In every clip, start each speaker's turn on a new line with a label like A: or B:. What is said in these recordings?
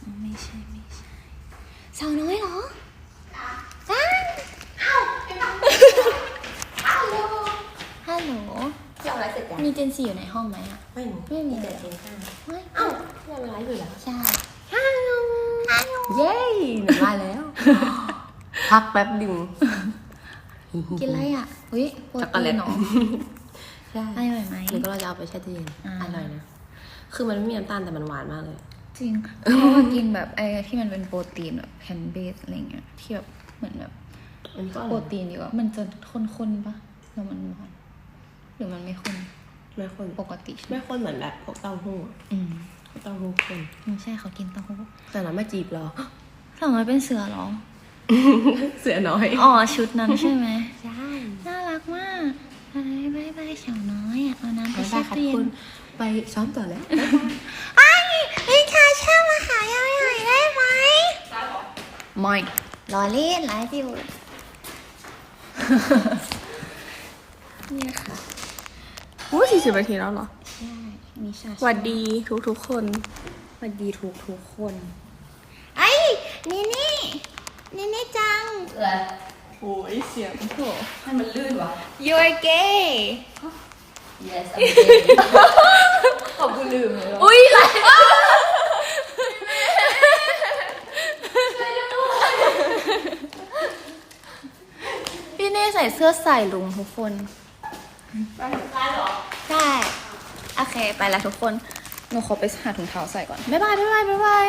A: ไม่ใช่สาวน้อยเหรอจ้าฮัลโหล
B: ที่เอาไลฟ์เสร็จยัง
A: มีเจนซีอยู่ในห้องไหมอ่ะ
B: ไม่มีแต่เจนห้า
A: ไม่
B: เอ้าที่เราไลฟ์อยู่แล้ว
A: ใช่ฮัลโหล
B: เย้หนูมาแล้ว พักแป๊บดึง
A: กินอะไรอ่ะอุ้ยโปรตีนเนาะ
B: ใช่
A: อร่อยไหม
B: หรือก็เราจะเอาไปแช่ตู้เย็นอร่อยนะคือมันไม่มีน้ำตาลแต่มันหวานมากเลย
A: จริงเพราะว่ากินแบบไอ้ที่มันเป็นโปรตีนแบบแพนเบสอะไรเงี้ยที่แบบเหมือนแบบโปรตีนดีกว่ามันจะข้นๆปะแล้วมันหวานหรือมันไม่ข้น
B: ไม่ข้น
A: ปกติ
B: ไม่ข้นเหมือนแบบพวกเต้าหู้เต้าหู้ข้น
A: ไม่ใช่เขากินเต้าหู้
B: แต่เราไม่จีบหรอ
A: สาวน้อยเป็นเสือหรอ
B: เสือน้อย
A: อ๋อชุดนั้นใช่ไหม
B: ใช่
A: น่ารักมากบายบายสาวน้อยอ่ะเอาน้ำไปแช่ตู้เย็น
B: ไปซ้อมต่อแล้ว
A: ไอ้ลิชาเช่ามาหายายหน่อยได้ไหมไม่รอเล่นไลฟ์อยู่นี่ค่ะ
C: 40 นาทีแล้วเหรอ
A: ใช่มีชา
C: สวัสดีทุกคน
A: สวัสดีทุกคนไอ้นี่จัง
C: โอ้ยเสียงโถ
B: ให้มันลื่นวะ
A: You're gay
B: Yes I'm gay ขอบคุณลืมเลย
A: อุ้ยอะไรพี่เน่ใส่เสื้อใส่ลุงทุกคน
B: ได้หรอ
A: ใช่โอเคไปแล้วทุกคนหนูขอไปหาถุงเท้าใส่ก่อนบ๊ายบาย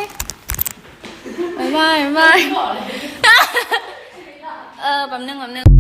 A: แป๊บนึง